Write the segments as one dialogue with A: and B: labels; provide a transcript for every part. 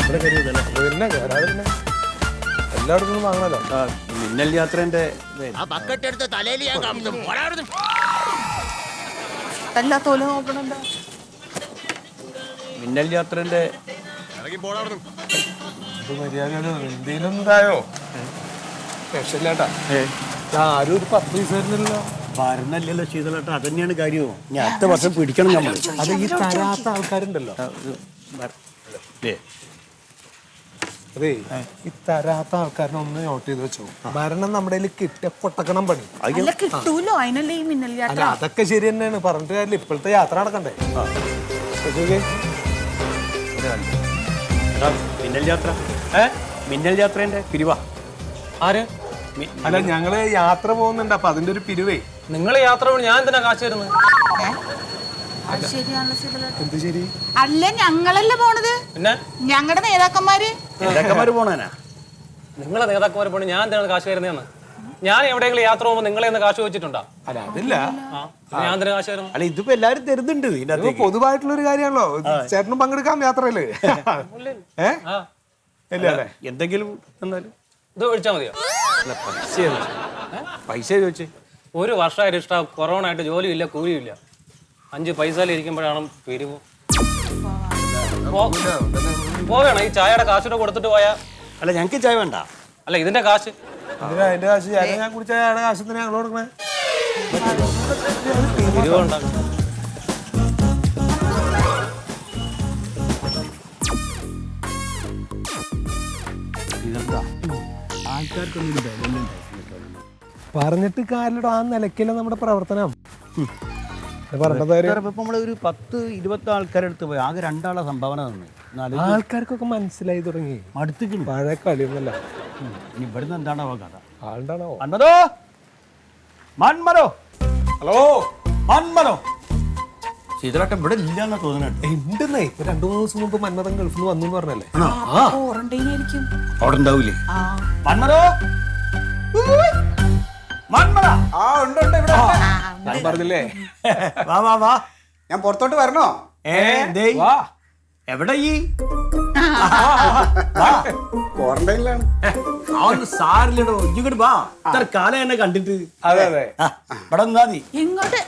A: പിന്നെ എല്ലായിടത്തും വാങ്ങണല്ലോ.
B: മിന്നൽ യാത്രേന്റെ മിന്നൽ യാത്രേന്റെ
A: മര്യാദ എന്തെങ്കിലും ഇതായോ? സ്പെഷ്യലാട്ടാ ആരും ഒരു 10 പൈസ തരുന്നില്ലല്ലോ.
B: ഭരണല്ലല്ലോ ശീതളേട്ടാ, അതന്നെയാണ് കാര്യവും. ഞാൻ അടുത്ത വർഷം പിടിക്കണം നമ്മൾ.
A: അത് ഈ തരാത്ത ആൾക്കാരുണ്ടല്ലോ. അതെ, ഈ തരാത്ത ആൾക്കാരനെ ഒന്ന് നോട്ട് ചെയ്ത് വെച്ചോ. ഭരണം നമ്മുടെ കയ്യിൽ കിട്ടിയ പൊട്ടക്കണം പണി.
C: കിട്ടൂലോ, അതിനല്ലേ ഈ മിന്നൽ യാത്ര.
A: അല്ല, അതൊക്കെ ശരി തന്നെയാണ്, പറഞ്ഞിട്ട് കാര്യമില്ല. ഇപ്പോഴത്തെ യാത്ര നടക്കണ്ടേ?
B: മിന്നൽ യാത്ര മിന്നൽ യാത്രേന്റെ പിരിവാ.
D: ആര്?
A: അല്ല, ഞങ്ങള് യാത്ര പോകുന്നുണ്ട്, അപ്പൊ അതിന്റെ ഒരു പിരിവേ.
D: നിങ്ങൾ യാത്ര പോയി ഞാൻ എന്തിനാ കാശ് തരുന്നത്?
A: എന്ത് ശരി?
C: അല്ല, ഞങ്ങളല്ലേ പോണത്,
D: പിന്നെ
C: ഞങ്ങളുടെ നേതാക്കന്മാര്
B: പോണാനാ.
D: നിങ്ങളെ നേതാക്കന്മാര് പോണി ഞാൻ എന്തിനാണ് കാശ് തരുന്നതെന്ന്? ഞാൻ എവിടെയെങ്കിലും യാത്ര പോകുമ്പോൾ നിങ്ങളെ ഒന്ന് കാശ് വെച്ചിട്ടുണ്ടോ?
A: അല്ല, അതില്ല.
D: ഞാൻ എന്തിനാ കാശ് തരുന്നു?
B: അല്ല, ഇതിപ്പോ എല്ലാരും തരുന്നുണ്ട്. ഇതിനകത്ത്
A: പൊതുവായിട്ടുള്ള ഒരു കാര്യമാണല്ലോ. ചേട്ടനും പങ്കെടുക്കാം യാത്രയില്.
B: എന്തെങ്കിലും എന്നാലും
D: ഇത് ഒഴിച്ചാൽ മതിയോ?
B: പൈസ ചോദിച്ചേ.
D: ഒരു വർഷമായിട്ട് ഇഷ്ടം കൊറോണ ആയിട്ട് ജോലിയില്ല, കൂലിയില്ല. 5 പൈസയിലിരിക്കുമ്പോഴാണ് പിരിവ്. പോവേണം. ഈ ചായയുടെ കാശൂടെ കൊടുത്തിട്ട് പോയാ.
B: അല്ല, ഞങ്ങൾക്ക് ചായ വേണ്ട.
D: അല്ല, ഇതിന്റെ കാശ്
A: അതിന്റെ കാശ് ഞാൻ കുടിച്ച കാശത്തിന് ഞങ്ങൾ കൊടുക്കണേ.
D: പിരിവുണ്ടാകും.
A: പറഞ്ഞിട്ട് കാര്യമില്ല, ആ നിലയ്ക്കല്ല നമ്മുടെ പ്രവർത്തനം.
B: നമ്മളൊരു 10-20 ആൾക്കാരെടുത്ത് പോയി ആകെ 2 ആളെ സംഭാവന തന്നു.
A: ആൾക്കാർക്കൊക്കെ മനസ്സിലായി തുടങ്ങി.
B: അടുത്തേക്ക്
A: പഴയ കളിയൊന്നല്ല.
B: ഇനി ഇവിടുന്ന് എന്താണോ കഥ?
A: ആളുണ്ടാണോ?
B: മന്മരോ, മന്മരോ,
A: ഹലോ,
B: മന്മരോ. ശീതളേട്ടൻ ഇവിടെ ഇല്ലാന്നാ തോന്നുന്നുണ്ട്.
A: ഉണ്ടെന്നേ, ഇപ്പൊ 2-3 ദിവസം മുമ്പ് മന്മഥൻ ഗൾഫിൽ നിന്ന് വന്നു പറഞ്ഞല്ലേ.
B: അവിടെ ഉണ്ടാവൂലേ? മന്മരോ, മന്മര.
A: പറഞ്ഞില്ലേ?
B: വാ വാ വാ.
E: ഞാൻ പുറത്തോട്ട് വരണോ?
B: എവിടെ ഈ
E: ക്വാറന്റൈനിലാണ്.
B: സാരില്ലടോ, ഇങ്ങോട്ട് വാ. ഇത്ര കാലം എന്നെ കണ്ടിട്ട്.
A: അതെ അതെ,
B: ഇവിടെ നിന്നാ മതി.
C: ഇങ്ങോട്ട്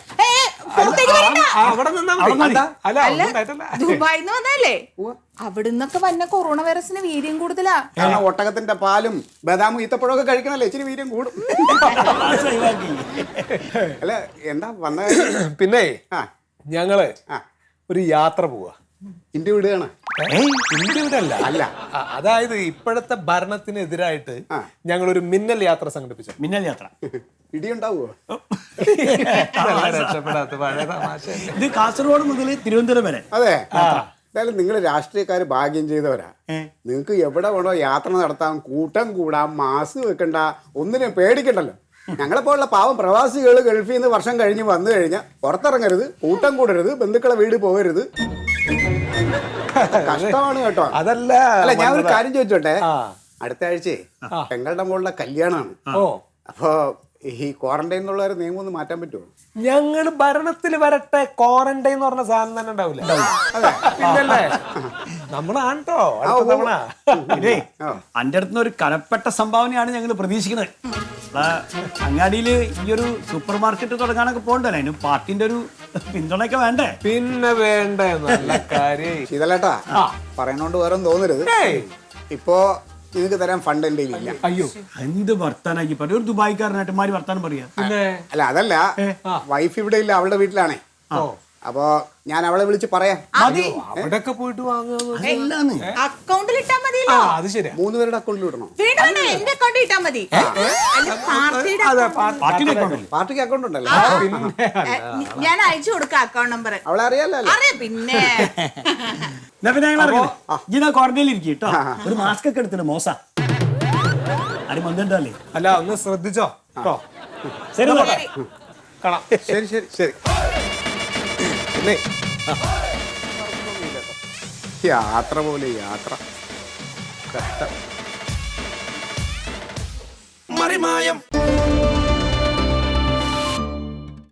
C: ദുബായിന്ന് വന്നല്ലേ? അവിടുന്നൊക്കെ വന്ന കൊറോണ വൈറസിന് വീര്യം കൂടുതലാ.
E: കാരണം ഒട്ടകത്തിന്റെ പാലും ബദാമും ഈത്തപ്പഴമൊക്കെ കഴിക്കണല്ലേ, ഇച്ചിരി വീര്യം കൂടും. അല്ല, എന്താ വന്ന?
A: പിന്നെ ഞങ്ങള് ഒരു യാത്ര പോവാ.
E: ഇന്ത്യ വിടുകയാണ്.
A: ഇന്ത്യ വിടല്ല. അല്ല, അതായത് ഇപ്പോഴത്തെ ഭരണത്തിനെതിരായിട്ട് ഞങ്ങളൊരു മിന്നൽ യാത്ര സംഘടിപ്പിച്ചു.
B: മിന്നൽ യാത്ര
E: ഇടിയുണ്ടാവുമോ?
A: രക്ഷപ്പെടാത്ത പഴയ തമാശ.
B: ഇത് കാസർഗോഡ് മുതൽ തിരുവനന്തപുരം വരെ.
E: അതെ. എന്തായാലും നിങ്ങൾ രാഷ്ട്രീയക്കാര് ഭാഗ്യം ചെയ്തവരാ. നിങ്ങൾക്ക് എവിടെ വേണോ യാത്ര നടത്താം, കൂട്ടം കൂടാം, മാസ്ക് വെക്കണ്ട, ഒന്നിനും പേടിക്കണ്ടല്ലോ. ഞങ്ങളെപ്പോലുള്ള പാവം പ്രവാസികൾ ഗൾഫിൽ നിന്ന് വർഷം കഴിഞ്ഞ് വന്നു കഴിഞ്ഞാൽ പുറത്തിറങ്ങരുത്, കൂട്ടം കൂടരുത്, ബന്ധുക്കളെ വീട് പോകരുത്. കഷ്ടമാണ് കേട്ടോ.
A: അതല്ല,
E: അല്ല, ഞാൻ ഒരു കാര്യം ചോദിച്ചോട്ടെ. അടുത്ത ആഴ്ചയെ പെങ്ങളുടെ മോളുടെ കല്യാണമാണ്. അപ്പോ ഈ ക്വാറന്റൈൻ എന്നുള്ള ഒരു നിയമം ഒന്ന് മാറ്റാൻ പറ്റുമോ?
A: ഞങ്ങള് ഭരണത്തിൽ വരട്ടെ, ക്വാറന്റൈൻ എന്ന് പറഞ്ഞ സാധനം തന്നെ ഉണ്ടാവില്ല. പിന്നല്ലേ നമ്മളാണോ
B: അന്റെ അടുത്ത് ഒരു കനപ്പെട്ട സംഭാവനയാണ് ഞങ്ങൾ പ്രതീക്ഷിക്കുന്നത്. അങ്ങാടിയിൽ ഈ ഒരു സൂപ്പർ മാർക്കറ്റ് തുടങ്ങാനൊക്കെ പോകണ്ടല്ലോ, അതിന് പാർട്ടിന്റെ ഒരു പിന്തുണയൊക്കെ വേണ്ടേ?
A: പിന്നെ വേണ്ടേ, നല്ല കാര്യം.
E: ശീതളേട്ടാ, പറയണോണ്ട് വേറെ തോന്നരുത്. ഇപ്പോ നിങ്ങൾക്ക് തരാൻ ഫണ്ട് എന്റെ ഇല്ല.
A: അയ്യോ,
B: എന്ത് വർത്താനാക്കി പറയും ഒരു ദുബായിക്കാരനായിട്ട് മാറി വർത്താനം പറയാ.
E: അല്ല, അതല്ല, വൈഫ് ഇവിടെ ഇല്ല, അവളുടെ വീട്ടിലാണേ. അപ്പൊ ഞാൻ അവളെ വിളിച്ച് പറയാം.
A: അവിടെയൊക്കെ പോയിട്ട് വാങ്ങുക.
C: അക്കൗണ്ടിൽ ഇട്ടാ മതി.
A: അത് ശരിയാ,
E: 3 പേരുടെ അക്കൗണ്ടിൽ ഇടണോ?
C: എന്റെ അക്കൗണ്ടിൽ ഇട്ടാ മതി.
E: പാർട്ടിക്ക് അക്കൗണ്ട് ഉണ്ടല്ലോ.
C: ഞാൻ അയച്ചു കൊടുക്കാം അക്കൗണ്ട് നമ്പർ.
E: അവളെ അറിയാലോ.
C: അറിയാം. പിന്നെ
B: ക്വാറന്റൈനിൽ ഇരിക്കും കേട്ടോ. ഒരു മാസ്ക് ഒക്കെ എടുത്തിട്ട് മോശ ആരും വന്നിട്ടല്ലേ.
A: അല്ല, ഒന്ന് ശ്രദ്ധിച്ചോ കേട്ടോ.
B: ശരി,
A: കാണാം. ശരി ശരി ശരി. പിന്നെ
E: യാത്ര പോലെ യാത്ര കഷ്ടം.
F: മറിമായം